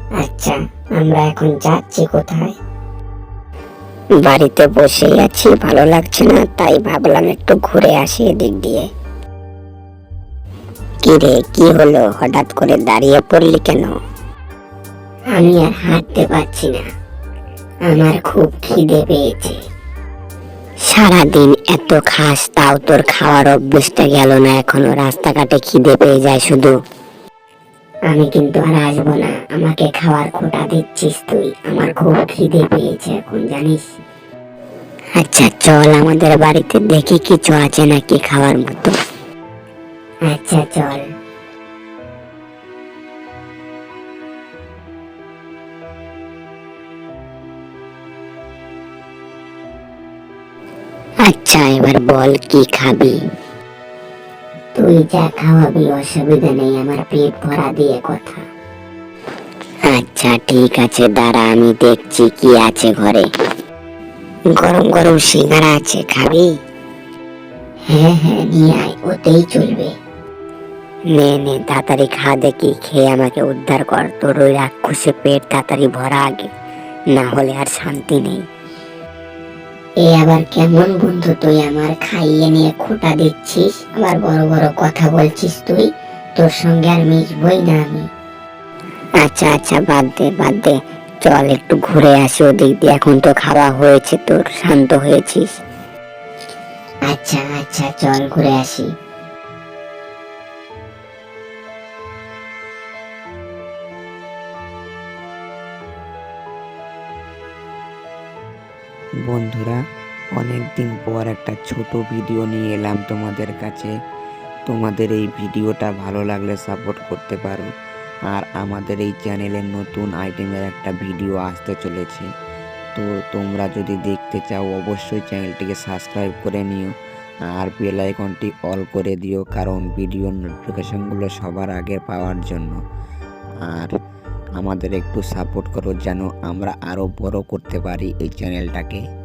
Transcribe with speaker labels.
Speaker 1: আচ্ছা, আমরা এখন যাচ্ছি কোথায়?
Speaker 2: বাড়িতে বসেই আছি, ভালো লাগছে না, তাই ভাবলাম একটু ঘুরে আসি এদিক দিয়ে। কি রে, কি হলো, হঠাৎ করে দাঁড়িয়ে পড়লি কেন?
Speaker 1: আমি আর হাঁটতে পারছি না, আমার খুব খিদে পেয়েছে।
Speaker 2: সারাদিন এত খাস, তাও তোর খাওয়ার অভ্যেসটা গেল না এখনো? রাস্তাঘাটে খিদে পেয়ে যায় শুধু।
Speaker 1: আমি কিন্তু আর আসবো না, আমাকে খাওয়ার খোটা দিচ্ছিস তুই। আমার খুব খিদে পেয়েছে এখন, জানিস।
Speaker 2: আচ্ছা চল আমাদের বাড়িতে, দেখি কিছু আছে নাকি খাওয়ার মতো।
Speaker 1: আচ্ছা চল।
Speaker 2: আচ্ছা এবার বল, কি খাবি?
Speaker 1: তুই যা খাওয়াবি, অসুবিধা নেই, আমার পেট ভরা দিয়ে কথা।
Speaker 2: আচ্ছা ঠিক আছে, দাঁড়া আমি দেখছি কি আছে ঘরে। গরম গরম সিঙ্গারা আছে, খাবি?
Speaker 1: হ্যাঁ হ্যাঁ, নিয়ে আয়, ওতেই চলবে।
Speaker 2: নে নে তাড়াতাড়ি খা, দেখি খেয়ে আমাকে উদ্ধার কর। তোর ওই রাক্ষসে পেট তাড়াতাড়ি ভরা আগে, না হলে আর শান্তি নেই।
Speaker 1: এ আবার কেমন বন্ধু তুই, আমার খাইয়ে নিয়ে খোটা দিচ্ছিস, আবার বড় বড় কথা বলছিস তুই। তোর সঙ্গে আর মিশবই না আমি।
Speaker 2: আচ্ছা আচ্ছা, বাদ দে বাদ দে, চল একটু ঘুরে আসি ওদিক দিয়ে। এখন তো খাওয়া হয়েছে তোর, শান্ত হয়েছিস।
Speaker 1: আচ্ছা আচ্ছা, চল ঘুরে আসি।
Speaker 3: বন্ধুরা, অনেক দিন পর একটা ছোট ভিডিও নিয়ে এলাম তোমাদের কাছে। তোমাদের এই ভিডিওটা ভালো লাগলে সাপোর্ট করতে পারো। আর আমাদের এই চ্যানেলে নতুন আইটেমের একটা ভিডিও আসতে চলেছে, তো তোমরা যদি দেখতে চাও অবশ্যই চ্যানেলটিকে সাবস্ক্রাইব করে নিও আর বেল আইকনটি অল করে দিও, কারণ ভিডিওর নোটিফিকেশনগুলো সবার আগে পাওয়ার জন্য। আর আমাদের একটু সাপোর্ট করো যেন আমরা আরও বড় করতে পারি এই চ্যানেলটাকে।